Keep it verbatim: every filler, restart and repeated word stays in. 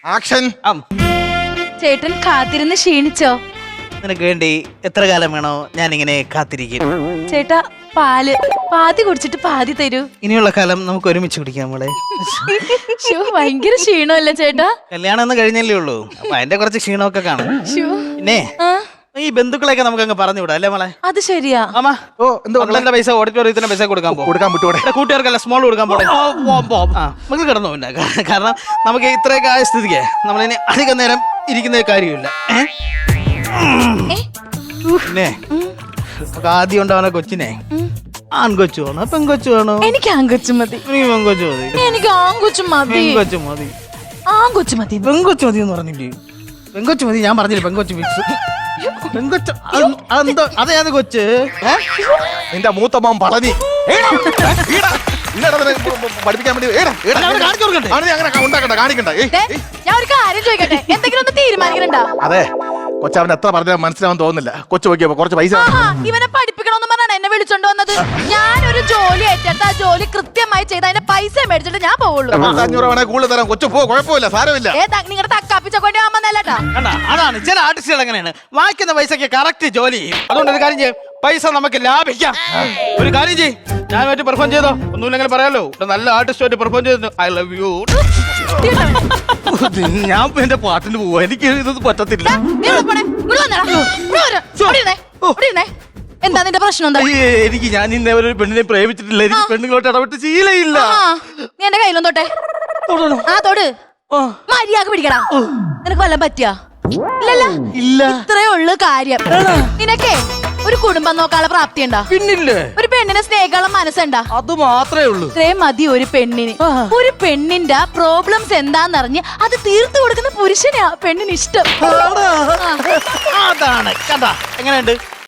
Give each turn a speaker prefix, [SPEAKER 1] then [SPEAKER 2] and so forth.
[SPEAKER 1] Action.
[SPEAKER 2] ചേട്ടൻ കാത്തിരുന്ന് ക്ഷീണിച്ചോ?
[SPEAKER 3] നിനക്ക് വേണ്ടി എത്ര കാലം വേണോ ഞാൻ ഇങ്ങനെ കാത്തിരിക്കും.
[SPEAKER 2] ചേട്ടാ പാല് പാതി കുടിച്ചിട്ട് പാതി തരൂ.
[SPEAKER 3] ഇനിയുള്ള കാലം നമുക്ക് ഒരുമിച്ച് കുടിക്കാം മോളെ.
[SPEAKER 2] ശോ, ഭയങ്കര ക്ഷീണമല്ലേ ചേട്ടാ?
[SPEAKER 3] കല്യാണം ഒന്ന് കഴിഞ്ഞല്ലേ ഉള്ളൂ, അപ്പൊ അതിന്റെ കുറച്ച് ക്ഷീണമൊക്കെ കാണും.
[SPEAKER 2] ശോ.
[SPEAKER 3] പിന്നെ
[SPEAKER 2] ആ,
[SPEAKER 3] ഈ ബന്ധുക്കളെയൊക്കെ നമുക്ക് അങ്ങ് പറഞ്ഞു വിടാം അല്ലേ മോളെ?
[SPEAKER 2] അത് ശരിയാ.
[SPEAKER 3] ആമാ
[SPEAKER 1] ഓ എന്തോ
[SPEAKER 3] മക്കളുടെ പൈസ ഓഡിറ്റോറിയത്തിന്റെ പൈസ കൊടുക്കാൻ പോകും.
[SPEAKER 1] കൊടുക്കാൻ വിട്ടുകൂടെ?
[SPEAKER 3] കൂട്ടുകാർക്കല്ല സ്മോൾ കൊടുക്കാൻ പോകണം. ആ നമുക്ക് കിടന്നു പിന്നെ, കാരണം നമുക്ക് ഇത്രയൊക്കെ ആയ സ്ഥിതിക്ക് നമ്മളിനി അധികം നേരം ഇരിക്കുന്ന കാര്യമില്ല. ഏ?
[SPEAKER 2] ഏ?
[SPEAKER 3] പിന്നെ നമുക്ക് ആദ്യം ഉണ്ടാവുന്ന കൊച്ചിനെ ആൺകൊച്ചു വേണോ പെൺകൊച്ചു വേണോ?
[SPEAKER 2] എനിക്ക് ആങ്കൊച്ചു മതി.
[SPEAKER 3] എനിക്ക് പെൺകൊച്ചു മതി.
[SPEAKER 2] എനിക്ക് ആങ്കൊച്ചു മതി.
[SPEAKER 3] പെൺകൊച്ചു മതി.
[SPEAKER 2] ആങ്കൊച്ചു മതി.
[SPEAKER 3] പെൺകൊച്ചു മതി എന്ന് പറഞ്ഞില്ലേ? പെൺകൊച്ചു മതി. ഞാൻ പറഞ്ഞില്ല പെൺകൊച്ചു ഫിക്സ്. പെൺകൊച്ചു അത് അതെന്തോ അതേത് കൊച്ച്?
[SPEAKER 1] നിന്റെ മൂത്തമ്മ പളനി പഠിപ്പിക്കാൻ വേണ്ടി ഏടാ, ഏടാ,
[SPEAKER 3] അവനെ കാണിച്ചു കൊടുക്കണ്ടേ?
[SPEAKER 1] അവനെ നീ അങ്ങനെ ഉണ്ടാക്കണ്ട, കാണിക്കണ്ട. ഏയ്,
[SPEAKER 2] ദേ,
[SPEAKER 1] ഏയ്.
[SPEAKER 2] ഞാൻ ഒരു കാര്യം ചോദിക്കട്ടെ, എന്തെങ്കിലും ഒന്ന് തീരുമാനിക്കണുണ്ടോ?
[SPEAKER 1] അതെ, കൊച്ചവൻ എത്ര പറഞ്ഞാൽ മനസ്സിലാവാൻ തോന്നുന്നില്ല. കൊച്ചു നോക്കിയപ്പോ കുറച്ച് പൈസ
[SPEAKER 2] ആഹാ, ഇവനെ പഠിപ്പിക്കണമെന്ന് പറഞ്ഞാണ് എന്നെ വിളിച്ചോണ്ട് വന്നത്. ഞാനൊരു ജോലി ഏറ്റെടുത്ത് ആ ജോലി കൃത്യമായി ചെയ്ത് അതിന്റെ പൈസ മേടിച്ചിട്ട് ഞാൻ പോവുള്ളൂ.
[SPEAKER 1] അഞ്ഞൂറ് വേണേ കൂടുതൽ തരാം. കൊച്ചു പോ, കുഴപ്പമില്ല, സാരമില്ല.
[SPEAKER 2] ഏ നിങ്ങളുടെ തക്കാപ്പിച്ചോണ്ടി ആവുമ്പന്നല്ലേട്ടാ.
[SPEAKER 3] കണ്ടാ, അതാണ് ചില ആർട്ടിസ്റ്റുകൾ എങ്ങനെയാണ് വായിക്കുന്ന പൈസക്ക് കറക്റ്റ് ജോലി ചെയ്യും. അതുകൊണ്ട് ഒരു കാര്യം ചെയ്യും, പൈസ നമുക്ക് ലാഭിക്കാം. ഒരു കാര്യം ചെയ്യും, ഞാൻ വേണ്ടി പെർഫോം ചെയ്തോ, ഒന്നുമില്ലെങ്കിൽ പറയാലോ, ഇവിടെ നല്ല ആർട്ടിസ്റ്റുമായിട്ട് പെർഫോം ചെയ്തു. I love you. ഞാൻ എന്റെ പാട്ടിന് പോവാ, എനിക്ക് ഇത് പറ്റത്തില്ല.
[SPEAKER 2] എന്താ നിന്റെ പ്രശ്നം? എന്താ
[SPEAKER 3] അയ്യേ, എനിക്ക് ഞാൻ ഇന്നേ ഒരു പെണ്ണിനെ പ്രേമിച്ചിട്ടില്ല. എനിക്ക് പെണ്ണുങ്ങളോട്ട് ഇടപെട്ട് ശീലയില്ല.
[SPEAKER 2] ആ, നീ എന്റെ കയ്യിലും തൊട്ടെ. ആ തൊട്. മര്യാദ പിടിക്കടാ. നിനക്ക് വല്ലതും പറ്റിയാ? ഇല്ലല്ലോ.
[SPEAKER 3] ഇല്ല.
[SPEAKER 2] ഇത്രേ ഉള്ളു കാര്യം. നിനക്കേ ഒരു കുടുംബം നോക്കാനുള്ള പ്രാപ്തി ഉണ്ടാ?
[SPEAKER 3] പിന്നില്ലേ,
[SPEAKER 2] ഒരു പെണ്ണിനെ സ്നേഹിക്കാനുള്ള മനസ്സുണ്ടാ?
[SPEAKER 3] അത് മാത്രമേ ഉള്ളൂ.
[SPEAKER 2] ഇത്രയും മതി ഒരു പെണ്ണിന്. ഒരു പെണ്ണിന്റെ പ്രോബ്ലംസ് എന്താന്നറിഞ്ഞ് അത് തീർത്തു കൊടുക്കുന്ന പുരുഷനെയാ പെണ്ണിന് ഇഷ്ടം.
[SPEAKER 3] അതാണ് കഥ. എങ്ങനെയുണ്ട്?